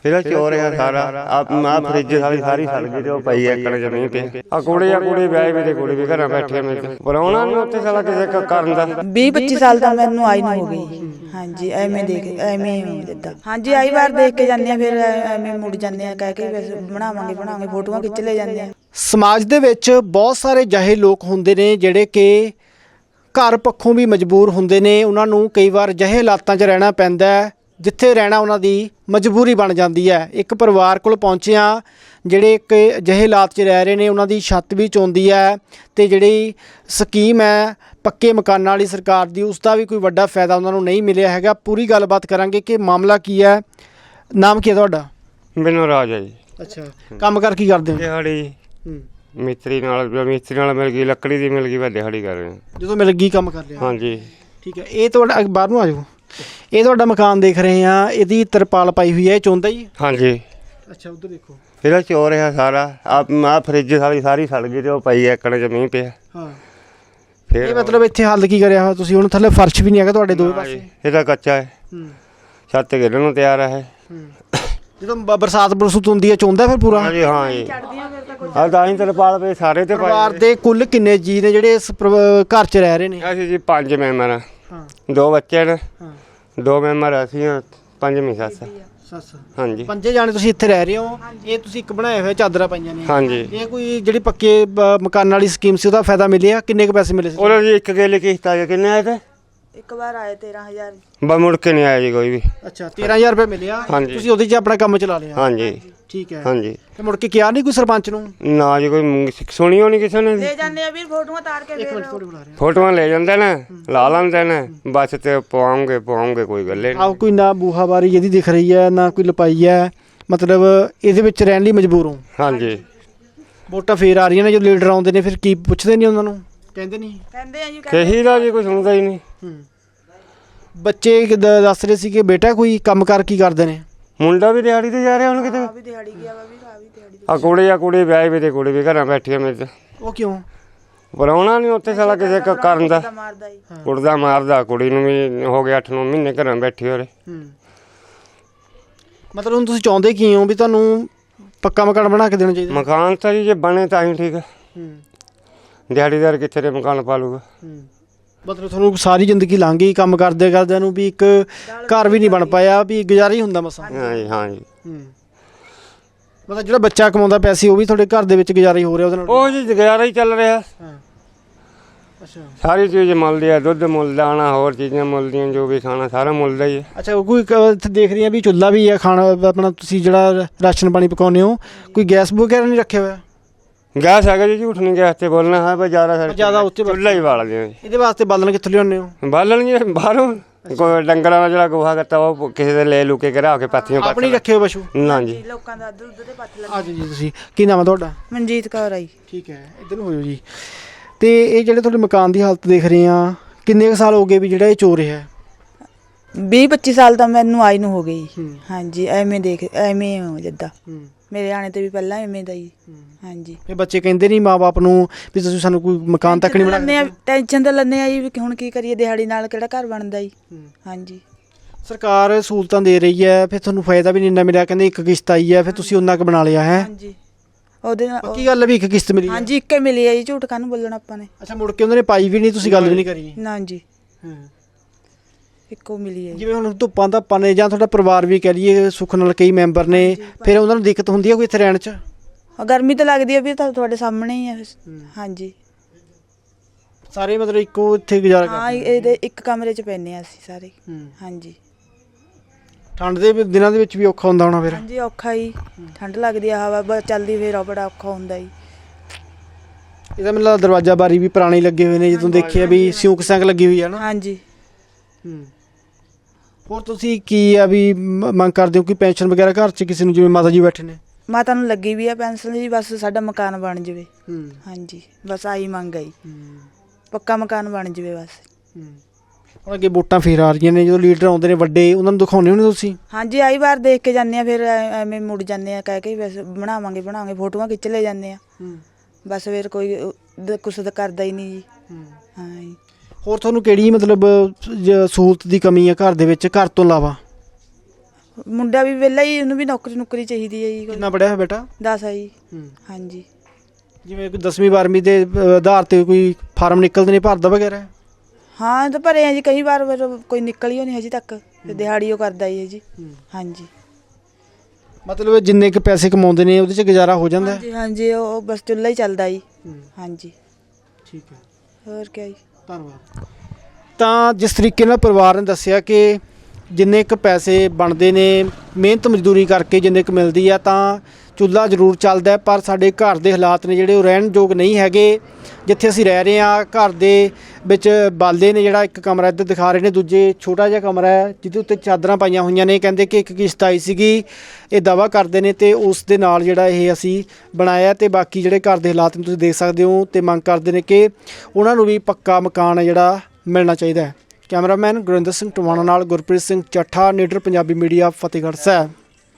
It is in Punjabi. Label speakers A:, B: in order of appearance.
A: फिर चोर है सारा आप फ्रिज सारी सड़ गई तो पई एकड़ जमीन पे आ कुड़ी ब्याह भी कुड़ी भी घर बैठे पराउणा नहीं उत्थे साला किसी करन दा
B: 20-25 साल ਦਾ ਮੈਨੂੰ ਆਈ ਨੂੰ ਹੋ ਗਈ। ਹਾਂਜੀ ਐਵੇਂ ਦੇਖ ਐਵੇਂ ਜਿੱਦਾਂ ਹਾਂਜੀ ਆਈ ਵਾਰ ਦੇਖ ਕੇ ਜਾਂਦੇ ਆ ਫਿਰ ਐਵੇਂ ਮੁੜ ਜਾਂਦੇ ਆ ਕਹਿ ਕੇ ਬਣਾਵਾਂਗੇ ਫੋਟੋਆਂ ਖਿੱਚ ਲੈ ਜਾਂਦੇ ਆ।
C: ਸਮਾਜ ਦੇ ਵਿੱਚ ਬਹੁਤ ਸਾਰੇ ਜਿਹੇ ਲੋਕ ਹੁੰਦੇ ਨੇ ਜਿਹੜੇ ਕਿ ਘਰ ਪੱਖੋਂ ਵੀ ਮਜਬੂਰ ਹੁੰਦੇ ਨੇ, ਉਹਨਾਂ ਨੂੰ ਕਈ ਵਾਰ ਜਿਹੇ ਹਾਲਾਤਾਂ 'ਚ ਰਹਿਣਾ ਪੈਂਦਾ ਹੈ ਜਿੱਥੇ ਰਹਿਣਾ ਉਹਨਾਂ ਦੀ ਮਜਬੂਰੀ ਬਣ ਜਾਂਦੀ ਹੈ। ਇੱਕ ਪਰਿਵਾਰ ਕੋਲ ਪਹੁੰਚੇ ਹਾਂ ਜਿਹੜੇ ਇੱਕ ਅਜਿਹੇ ਹਾਲਾਤ 'ਚ ਰਹਿ ਰਹੇ ਨੇ, ਉਹਨਾਂ ਦੀ ਛੱਤ ਵੀ ਚੋਂਦੀ ਹੈ ਅਤੇ ਜਿਹੜੀ ਸਕੀਮ ਹੈ ਪੱਕੇ ਮਕਾਨਾਂ ਵਾਲੀ ਸਰਕਾਰ ਦੀ ਉਸ ਦਾ ਵੀ ਕੋਈ ਵੱਡਾ ਫਾਇਦਾ ਉਹਨਾਂ ਨੂੰ ਨਹੀਂ ਮਿਲਿਆ ਹੈਗਾ। ਪੂਰੀ ਗੱਲਬਾਤ ਕਰਾਂਗੇ ਕਿ ਮਾਮਲਾ ਕੀ ਹੈ। ਨਾਮ ਕੀ ਹੈ ਤੁਹਾਡਾ?
A: ਮੈਨੂੰ ਰਾਜ ਹੈ ਜੀ।
C: ਅੱਛਾ, ਕੰਮ ਕਰ ਕੀ ਕਰਦੇ ਹੋ?
A: ਦਿਹਾੜੀ ਮਿਸਤਰੀ ਨਾਲ ਮਿਲ ਗਈ, ਲੱਕੜੀ ਦੀ ਮਿਲ ਗਈ, ਮੈਂ ਦਿਹਾੜੀ ਕਰ ਰਿਹਾ।
C: ਜਦੋਂ ਮਿਲ ਗਈ ਕੰਮ ਕਰ ਲਿਆ?
A: ਹਾਂਜੀ
C: ਠੀਕ ਹੈ। ਇਹ ਤੁਹਾਡਾ ਬਾਹਰ ਨੂੰ ਆ ਜਾਓ। ਇਹ ਤੁਹਾਡਾ ਮਕਾਨ ਦੇਖ ਰਹੇ ਹਾਂ, ਇਹਦੀ ਤਰਪਾਲ ਪਾਈ ਹੋਈ ਹੈ, ਇਹ ਚੋਂਦਾ ਜੀ?
A: ਹਾਂਜੀ।
C: ਅੱਛਾ, ਉੱਧਰ ਦੇਖੋ।
A: फिर चोर है सारा आप फ्रिज सारी सड़ गई तो पई एकड़ जमीन पे।
C: हाँ
A: फिर
C: ਇਹ ਮਤਲਬ ਇੱਥੇ ਹੱਲ ਕੀ ਕਰਿਆ ਹੋਇਆ ਤੁਸੀਂ? ਹੁਣ ਥੱਲੇ ਫਰਸ਼ ਵੀ ਨਹੀਂ ਹੈਗਾ ਤੁਹਾਡੇ ਦੋਵੇਂ ਪਾਸੇ?
A: ਇਹਦਾ ਕੱਚਾ ਹੈ, ਛੱਤ ਗਿਰਨ ਨੂੰ ਤਿਆਰ ਹੈ।
C: ਜਦੋਂ ਬਰਸਾਤ ਬਰਸੂਤ ਹੁੰਦੀ ਹੈ ਚੋਂਦਾ ਫਿਰ ਪੂਰਾ?
A: ਹਾਂਜੀ ਹਾਂ ਜੀ। ਆ ਤਾਂ ਹੀ ਤਰਪਾਲ ਪਏ ਸਾਰੇ ਤੇ
C: ਪਰਿਵਾਰ ਦੇ ਕੁੱਲ ਕਿੰਨੇ ਜੀ ਨੇ ਜਿਹੜੇ ਇਸ ਘਰ 'ਚ ਰਹਿ ਰਹੇ ਨੇ?
A: ਅਸੀਂ ਜੀ 5 ਮੈਂਬਰ ਹਾਂ।
C: ਹਾਂ
A: 2 ਬੱਚੇ ਨੇ। 2 ਮੈਂਬਰ ਅਸੀਂ ਹਾਂ, 5ਵੀਂ ਸੱਸ। ਹਾਂਜੀ
C: 5 ਜਾਣੇ ਤੁਸੀਂ ਇੱਥੇ ਰਹਿ ਰਹੇ ਹੋ। ਇਹ ਤੁਸੀਂ ਇੱਕ ਬਣਾਏ ਹੋਏ ਚਾਦਰਾਂ ਪਾਈਆਂ ਨੇ?
A: ਹਾਂਜੀ।
C: ਇਹ ਕੋਈ ਜਿਹੜੀ ਪੱਕੇ ਮਕਾਨ ਵਾਲੀ ਸਕੀਮ ਸੀ ਉਹਦਾ ਫਾਇਦਾ ਮਿਲਿਆ? ਕਿੰਨੇ ਕੁ ਪੈਸੇ ਮਿਲੇ ਸੀ?
A: ਉਹਦਾ ਜੀ ਇੱਕ ਗੇਲੇ ਕਿਸ਼ਤ ਆ ਕਿੰਨੇ ਆਏ ਤੇ?
B: ਇੱਕ ਵਾਰ ਆਏ 13,000।
A: ਬਾ ਮੁੜ ਕੇ ਨਹੀਂ ਆਇਆ ਜੀ ਕੋਈ ਵੀ।
C: ਅੱਛਾ, 13,000 ਰੁਪਏ ਮਿਲਿਆ। ਤੁਸੀਂ ਉਹਦੇ 'ਚ ਆਪਣਾ ਕੰਮ ਚਲਾ ਲਿਆ?
A: ਹਾਂਜੀ
C: ਠੀਕ ਹੈ।
A: ਹਾਂਜੀ।
C: ਤੇ ਮੁੜ ਕੇ ਕਿਹਾ ਨਹੀਂ ਕੋਈ ਸਰਪੰਚ ਨੂੰ?
A: ਨਾ ਜੀ, ਕੋਈ ਸੁਣੀ ਹੋਣੀ ਕਿਸੇ ਨੇ।
B: ਲੈ ਜਾਂਦੇ ਆ ਵੀਰ ਫੋਟੋਆਂ ਤਾਰ ਕੇ।
C: ਇੱਕ ਮਿੰਟ ਥੋੜੀ ਬੁਲਾ ਰਿਹਾ।
A: ਫੋਟੋਆਂ ਲੈ ਜਾਂਦੇ ਨੇ, ਲਾ ਲੈਂਦੇ ਨੇ, ਬਸ ਤੇ ਪਵਾਉਂਗੇ ਕੋਈ ਗੱਲੇ
C: ਆਹ ਕੋਈ ਨਾ ਬੂਹਾਬਾਰੀ ਜਿਹਦੀ ਦਿਖ ਰਹੀ ਹੈ ਨਾ ਕੋਈ ਲਪਾਈ ਹੈ, ਮਤਲਬ ਇਹਦੇ ਵਿੱਚ ਰਹਿਣ ਲਈ ਮਜਬੂਰ ਹੋ?
A: ਹਾਂਜੀ।
C: ਵੋਟਾਂ ਫੇਰ ਆ ਰਹੀਆਂ ਨੇ, ਜਦੋਂ ਲੀਡਰ ਆਉਂਦੇ ਨੇ ਫਿਰ ਕੀ ਪੁੱਛਦੇ ਨਹੀਂ ਉਹਨਾਂ ਨੂੰ? ਕਹਿੰਦੇ ਨਹੀਂ?
B: ਕਹਿੰਦੇ ਆ ਜੀ
A: ਕਹੀ ਦਾ ਜੀ ਕੋਈ ਸੁਣਦਾ ਹੀ ਨਹੀਂ।
C: ਬੱਚੇ ਦੱਸ ਰਹੇ ਸੀ ਕਿ ਬੇਟਾ ਕੋਈ ਕੰਮ ਕਰ ਕੀ ਕਰਦੇ ਨੇ?
A: ਮੁੰਡਾ ਵੀ ਦਿਹਾੜੀ ਤੇ ਜਾ ਰਿਹਾ ਹੁਣ ਕਿਤੇ।
B: ਵੀ ਦਿਹਾੜੀ ਗਿਆ ਵਾ ਵੀ ਦਿਹਾੜੀ।
A: ਆ ਕੁੜੀ ਵਿਆਹ ਵੀ ਤੇ ਕੁੜੀ ਵੀ ਘਰਾਂ ਬੈਠੀ ਮੇਰੇ।
C: ਉਹ ਕਿਉਂ?
A: ਪਰਾਉਣਾ ਨਹੀਂ ਉੱਥੇ ਸਾਲਾ ਕਿਸੇ ਕਰਨ ਦਾ।
B: ਮਾਰਦਾ ਜੀ।
A: ਕੁੜਦਾ ਮਾਰਦਾ, ਕੁੜੀ ਨੂੰ ਵੀ ਹੋ ਗਿਆ 8-9 ਮਹੀਨੇ ਘਰਾਂ ਬੈਠੀ ਹੋਰੇ।
C: ਮਤਲਬ ਹੁਣ ਤੁਸੀਂ ਚਾਹੁੰਦੇ ਕੀ ਹੋ? ਵੀ ਤੁਹਾਨੂੰ ਪੱਕਾ ਮਕਾਨ ਬਣਾ ਕੇ ਦੇਣਾ ਚਾਹੀਦਾ?
A: ਮਕਾਨ ਤਾਂ ਜੀ ਜੇ ਬਣੇ ਤਾਂ ਹੀ ਠੀਕ ਹੈ। ਦਿਹਾੜੀਦਾਰ ਕਿੱਥੇ ਦੇ ਮਕਾਨ ਪਾ ਲੂਗਾ?
C: ਮਤਲਬ ਤੁਹਾਨੂੰ ਸਾਰੀ ਜ਼ਿੰਦਗੀ ਲੰਘ ਗਈ ਕੰਮ ਕਰਦੇ ਕਰਦਿਆਂ ਨੂੰ, ਵੀ ਇੱਕ ਘਰ ਵੀ ਨਹੀਂ ਬਣ ਪਾਇਆ, ਵੀ ਗੁਜ਼ਾਰਾ ਹੀ ਹੁੰਦਾ ਮਸਾਂ?
A: ਹਾਂਜੀ ਹਾਂਜੀ।
C: ਮਤਲਬ ਜਿਹੜਾ ਬੱਚਾ ਕਮਾਉਂਦਾ ਪੈਸੇ ਉਹ ਵੀ ਤੁਹਾਡੇ ਘਰ ਦੇ ਵਿੱਚ ਗੁਜ਼ਾਰਾ ਹੀ ਹੋ ਰਿਹਾ ਉਹਦੇ ਨਾਲ?
A: ਉਹ ਜੀ ਗੁਜ਼ਾਰਾ ਹੀ ਚੱਲ ਰਿਹਾ।
C: ਅੱਛਾ,
A: ਸਾਰੀ ਚੀਜ਼ ਮੁੱਲਦੀ ਹੈ, ਦੁੱਧ ਮੁੱਲ ਦਾਣਾ ਹੋਰ ਚੀਜ਼ਾਂ ਮੁੱਲਦੀਆਂ, ਜੋ ਵੀ ਖਾਣਾ ਸਾਰਾ ਮੁੱਲ ਦਾ ਹੀ ਹੈ।
C: ਅੱਛਾ, ਕੋਈ ਇੱਥੇ ਦੇਖ ਰਹੀ ਹਾਂ ਵੀ ਚੁੱਲ੍ਹਾ ਵੀ ਹੈ, ਖਾਣਾ ਆਪਣਾ ਤੁਸੀਂ ਜਿਹੜਾ ਰਾਸ਼ਨ ਪਾਣੀ ਪਕਾਉਂਦੇ ਹੋ, ਕੋਈ ਗੈਸ ਵਗੈਰਾ ਨਹੀਂ ਰੱਖਿਆ ਹੋਇਆ?
A: ਗੈਸ ਹੈਗਾ ਜੀ, ਝੂਠ ਨਹੀਂ ਗੈਸ ਤੇ ਬੋਲਣਾ ਹੈ, ਪਰ ਜ਼ਿਆਦਾ
C: ਉੱਤੇ
A: ਚੁੱਲ੍ਹਾ ਹੀ ਬਾਲਦੇ ਹਾਂ ਜੀ।
C: ਇਹਦੇ ਵਾਸਤੇ ਬਾਲਣ ਕਿੱਥੋਂ ਲਿਆਉਂਦੇ ਹੋ?
A: ਬਾਲਣ ਜੀ ਬਾਹਰੋਂ, ਕੋਈ ਡੰਗਰਾਂ ਦਾ ਜਿਹੜਾ ਗੋਹਾ ਕਰਤਾ ਉਹ ਕਿਸੇ ਦੇ ਲੈ ਲੁਕੇ ਕੇ ਰੱਖ ਕੇ ਪਾਥੀਆਂ ਪਾ।
C: ਆਪਣੀ ਰੱਖੇ ਹੋ ਪਸ਼ੂ?
A: ਨਾ ਜੀ,
B: ਲੋਕਾਂ ਦਾ ਦੁੱਧ ਦੇ ਪੱਥ ਲੱਗੇ।
C: ਅੱਜ ਜੀ ਤੁਸੀਂ ਕੀ ਨਾਮ ਹੈ ਤੁਹਾਡਾ?
B: ਮਨਜੀਤ ਕੌਰ ਆਈ।
C: ਠੀਕ ਹੈ, ਇੱਧਰ ਨੂੰ ਹੋ ਜਾਓ ਜੀ। ਤੇ ਇਹ ਜਿਹੜੇ ਤੁਹਾਡੇ ਮਕਾਨ ਦੀ ਹਾਲਤ ਦੇਖ ਰਹੇ ਆ, ਕਿੰਨੇ ਕੁ ਸਾਲ ਹੋ ਗਏ ਵੀ ਜਿਹੜਾ ਇਹ ਚੋਰ ਰਿਹਾ?
B: 20-25 ਸਾਲ ਤਾਂ ਮੈਨੂੰ ਆਈ ਨੂੰ ਹੋ ਗਈ। ਹਾਂਜੀ ਐਵੇਂ ਦੇਖ ਜਿੱਦਾਂ ਮੇਰੇ ਆਣੇ ਤੇ ਵੀ ਪਹਿਲਾਂ ਐਵੇਂ ਦਾ ਹੀ। ਹਾਂਜੀ। ਇਹ
C: ਬੱਚੇ ਕਹਿੰਦੇ ਨਹੀਂ ਮਾਂ-ਬਾਪ ਨੂੰ ਵੀ ਤੁਸੀਂ ਸਾਨੂੰ ਕੋਈ ਮਕਾਨ ਤੱਕ ਨਹੀਂ ਬਣਾ ਕੇ?
B: ਟੈਨਸ਼ਨ ਤਾਂ ਲੈਂਦੇ ਆ ਜੀ ਵੀ ਹੁਣ ਕੀ ਕਰੀਏ, ਦਿਹਾੜੀ ਨਾਲ ਕਿਹੜਾ ਘਰ ਬਣਦਾ ਜੀ। ਹਾਂਜੀ।
C: ਸਰਕਾਰ ਸਹੂਲਤਾਂ ਦੇ ਰਹੀ ਹੈ, ਫਿਰ ਤੁਹਾਨੂੰ ਫਾਇਦਾ ਵੀ ਨਹੀਂ ਇੰਨਾ ਮਿਲਿਆ, ਕਹਿੰਦੇ ਇੱਕ ਕਿਸ਼ਤ ਆਈ ਹੈ, ਫਿਰ ਤੁਸੀਂ ਉਹਨਾਂ ਕੁ ਬਣਾ ਲਿਆ ਹੈ?
B: ਹਾਂਜੀ। ਉਹਦੇ ਨਾਲ
C: ਪੱਕੀ ਗੱਲ ਵੀ ਇੱਕ ਕਿਸ਼ਤ ਮਿਲੀ?
B: ਹਾਂਜੀ, ਇੱਕੇ ਮਿਲੀ ਹੈ ਜੀ, ਝੂਠ ਕਾਹਨੂੰ ਬੋਲਣਾ ਆਪਾਂ ਨੇ।
C: ਅੱਛਾ, ਮੁੜ ਕੇ ਉਹਨਾਂ ਨੇ ਪਾਈ ਵੀ ਨਹੀਂ, ਤੁਸੀਂ ਗੱਲ ਵੀ ਨਹੀਂ ਕਰੀ?
B: ਨਾ ਜੀ, ਇੱਕੋ ਮਿਲੀ ਹੈ।
C: ਜਿਵੇਂ ਹੁਣ ਧੁੱਪਾਂ ਨੇ ਜਾਂ ਤੁਹਾਡਾ ਪਰਿਵਾਰ ਵੀ ਕਹਿ ਲਈਏ ਸੁੱਖ ਨਾਲ ਕਈ ਮੈਂਬਰ ਨੇ, ਫਿਰ ਉਹਨਾਂ ਨੂੰ ਦਿੱਕਤ ਹੁੰਦੀ ਹੈ ਕੋਈ ਇੱਥੇ ਰਹਿਣ 'ਚ?
B: ਗਰਮੀ ਤਾਂ ਲੱਗਦੀ ਹੈ ਵੀ ਤੁਹਾਡੇ ਸਾਹਮਣੇ ਹੀ ਹੈ। ਹਾਂਜੀ।
C: ਸਾਰੇ ਮਤਲਬ ਇੱਕੋ ਇੱਥੇ ਗੁਜ਼ਾਰਾ ਕਰਦੇ?
B: ਹਾਂ, ਇਹਦੇ ਇੱਕ ਕਮਰੇ 'ਚ ਪੈਂਦੇ ਆ ਅਸੀਂ ਸਾਰੇ। ਹਾਂਜੀ।
C: ਠੰਡ ਦੇ ਦਿਨਾਂ ਦੇ ਵਿੱਚ ਵੀ ਔਖਾ ਹੁੰਦਾ ਹੋਣਾ ਫਿਰ?
B: ਹਾਂਜੀ, ਔਖਾ ਹੀ। ਠੰਡ ਲੱਗਦੀ ਆ, ਹਵਾ ਚੱਲਦੀ, ਫਿਰ ਬੜਾ ਔਖਾ ਹੁੰਦਾ ਜੀ।
C: ਇਹਦਾ ਮਤਲਬ ਦਰਵਾਜ਼ਾ ਬਾਰੀ ਵੀ ਪੁਰਾਣੇ ਲੱਗੇ ਹੋਏ ਨੇ, ਜਦੋਂ ਦੇਖਿਆ ਵੀ ਸਿਉਂਕ ਸੰਕ ਲੱਗੀ ਹੋਈ ਹੈ ਨਾ?
B: ਹਾਂਜੀ।
C: ਹੋਰ ਤੁਸੀਂ ਕੀ ਆ ਵੀ ਮੰਗ ਕਰਦੇ ਹੋ ਕਿ ਪੈਨਸ਼ਨ ਵਗੈਰਾ ਘਰ 'ਚ ਕਿਸੇ ਨੂੰ, ਜਿਵੇਂ ਮਾਤਾ ਜੀ ਬੈਠੇ ਨੇ?
B: ਮਾਤਾ ਨੂੰ ਲੱਗੀ ਵੀ ਆ ਪੈਨਸ਼ਨ ਜੀ, ਬਸ ਸਾਡਾ ਮਕਾਨ ਬਣ ਜਾਵੇ। ਹਾਂਜੀ, ਬਸ ਆਹੀ ਮੰਗ ਆਈ, ਪੱਕਾ ਮਕਾਨ ਬਣ ਜਾਵੇ ਬਸ।
C: ਹੁਣ ਅੱਗੇ ਵੋਟਾਂ ਫੇਰ ਆ ਰਹੀਆਂ ਨੇ, ਜਦੋਂ ਲੀਡਰ ਆਉਂਦੇ ਨੇ ਵੱਡੇ, ਉਹਨਾਂ ਨੂੰ ਦਿਖਾਉਂਦੇ ਹੋ ਤੁਸੀਂ?
B: ਹਾਂਜੀ, ਆਈ ਵਾਰ ਦੇਖ ਕੇ ਜਾਂਦੇ ਆ, ਫਿਰ ਐਵੇਂ ਮੁੜ ਜਾਂਦੇ ਆ ਕਹਿ ਕੇ ਬਸ ਬਣਾਵਾਂਗੇ ਫੋਟੋਆਂ ਖਿੱਚ ਲੈ ਜਾਂਦੇ ਆ। ਬਸ ਫਿਰ ਕੋਈ ਕੁਛ ਤਾਂ ਕਰਦਾ ਹੀ ਨਹੀਂ ਜੀ। ਹਾਂ ਜੀ। ਹੋਰ ਤੁਹਾਨੂੰ ਕਿਹੜੀ ਮਤਲਬ ਸਹੂਲਤ ਦੀ ਕਮੀ ਹੈ ਘਰ ਦੇ ਵਿੱਚ, ਘਰ ਤੋਂ ਇਲਾਵਾ? ਮੁੰਡਾ ਵੀ ਵਿਹਲਾ ਹੀ, ਉਹਨੂੰ ਵੀ ਨੌਕਰੀ ਚਾਹੀਦੀ ਹੈ ਜੀ।
C: ਕਿੰਨਾ ਪੜਿਆ ਹੈ ਬੇਟਾ?
B: 10 ਆ ਜੀ। ਹਾਂਜੀ।
C: ਜਿਵੇਂ ਕੋਈ 10ਵੀਂ 12ਵੀਂ ਦੇ ਆਧਾਰ ਤੇ ਕੋਈ ਫਾਰਮ ਨਿਕਲਦੇ ਨੇ ਭਰਦਾ ਵਗੈਰਾ?
B: ਹਾਂ ਤਾਂ ਭਰੇ ਆ ਜੀ ਕਈ ਵਾਰ, ਪਰ ਕੋਈ ਨਿਕਲੀ ਨਹੀਂ ਹਜੇ ਤੱਕ। ਤੇ ਦਿਹਾੜੀ ਉਹ ਕਰਦਾ ਹੀ ਹੈ ਜੀ। ਹਾਂਜੀ।
C: ਮਤਲਬ ਜਿੰਨੇ ਕੁ ਪੈਸੇ ਕਮਾਉਂਦੇ ਨੇ ਉਹਦੇ 'ਚ ਗੁਜ਼ਾਰਾ ਹੋ ਜਾਂਦਾ ਹੈ?
B: ਹਾਂਜੀ ਹਾਂਜੀ, ਉਹ ਬਸ ਚੁੱਲ੍ਹਾ ਹੀ ਚੱਲਦਾ ਜੀ। ਹਾਂਜੀ।
C: ਠੀਕ ਹੈ,
B: ਹੋਰ ਕਿਆ ਜੀ।
C: ਧੰਨਵਾਦ। ਤਾਂ ਜਿਸ ਤਰੀਕੇ ਨਾਲ ਪਰਿਵਾਰ ਨੇ ਦੱਸਿਆ ਕਿ ਜਿੰਨੇ ਕੁ ਪੈਸੇ ਬਣਦੇ ਨੇ ਮਿਹਨਤ ਮਜ਼ਦੂਰੀ ਕਰਕੇ ਜਿੰਨੇ ਕੁ ਮਿਲਦੀ ਆ ਤਾਂ ਚੁੱਲ੍ਹਾ ਜ਼ਰੂਰ ਚੱਲਦਾ, ਪਰ ਸਾਡੇ ਘਰ ਦੇ ਹਾਲਾਤ ਨੇ ਜਿਹੜੇ ਉਹ ਰਹਿਣ ਯੋਗ ਨਹੀਂ ਹੈਗੇ। ਜਿੱਥੇ ਅਸੀਂ ਰਹਿ ਰਹੇ ਹਾਂ ਘਰ ਦੇ ਵਿੱਚ ਬਾਲੇ ਨੇ, ਜਿਹੜਾ ਇੱਕ ਕਮਰਾ ਇੱਧਰ ਦਿਖਾ ਰਹੇ ਨੇ, ਦੂਜੇ ਛੋਟਾ ਜਿਹਾ ਕਮਰਾ ਹੈ ਜਿਹਦੇ ਉੱਤੇ ਚਾਦਰਾਂ ਪਾਈਆਂ ਹੋਈਆਂ ਨੇ। ਕਹਿੰਦੇ ਕਿ ਇੱਕ ਕਿਸ਼ਤ ਆਈ ਸੀਗੀ, ਇਹ ਦਾਅਵਾ ਕਰਦੇ ਨੇ, ਤੇ ਉਸ ਦੇ ਨਾਲ ਜਿਹੜਾ ਇਹ ਅਸੀਂ ਬਣਾਇਆ। ਤੇ ਬਾਕੀ ਜਿਹੜੇ ਘਰ ਦੇ ਹਾਲਾਤ ਨੇ ਤੁਸੀਂ ਦੇਖ ਸਕਦੇ ਹੋ, ਤੇ ਮੰਗ ਕਰਦੇ ਨੇ ਕਿ ਉਹਨਾਂ ਨੂੰ ਵੀ ਪੱਕਾ ਮਕਾਨ ਜਿਹੜਾ ਮਿਲਣਾ ਚਾਹੀਦਾ ਹੈ। ਕੈਮਰਾਮੈਨ ਗੁਰਿੰਦਰ ਸਿੰਘ ਟਵਾਣਾ ਨਾਲ ਗੁਰਪ੍ਰੀਤ ਸਿੰਘ ਚੱਠਾ, ਨੀਡਰ ਪੰਜਾਬੀ ਮੀਡੀਆ, ਫਤਿਹਗੜ੍ਹ ਸਾਹਿਬ।